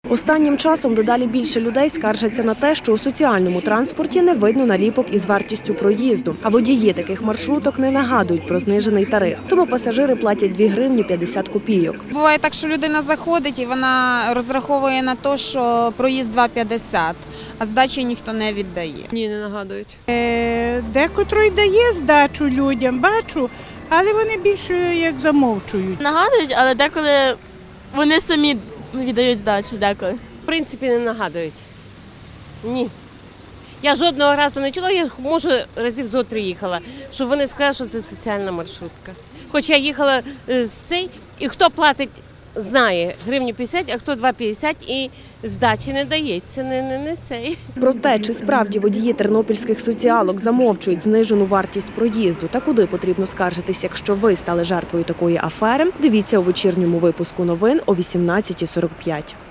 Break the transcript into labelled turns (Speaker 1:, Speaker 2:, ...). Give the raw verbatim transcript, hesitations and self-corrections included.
Speaker 1: Останнім часом дедалі більше людей скаржаться на те, що у соціальному транспорті не видно наліпок із вартістю проїзду, а водії таких маршруток не нагадують про знижений тариф. Тому пасажири платять дві гривні п'ятдесят копійок.
Speaker 2: Буває так, що людина заходить і вона розраховує на те, що проїзд два п'ятдесят, а здачі ніхто не віддає.
Speaker 3: Ні, не нагадують.
Speaker 4: Е, Декотрий дає здачу людям, бачу, але вони більше як замовчують.
Speaker 5: Нагадують, але деколи вони самі віддають здачу, деколи.
Speaker 6: В принципі, не нагадують. Ні. Я жодного разу не чула, я, може, разів зо три їхала, щоб вони сказали, що це соціальна маршрутка. Хоч я їхала з цей, і хто платить, знає, гривню п'ятдесят, а хто два п'ятдесят, і здачі не дається, не, не, не цей.
Speaker 1: Про те, чи справді водії тернопільських соціалок замовчують знижену вартість проїзду та куди потрібно скаржитись, якщо ви стали жертвою такої афери, дивіться у вечірньому випуску новин о вісімнадцятій сорок п'ять.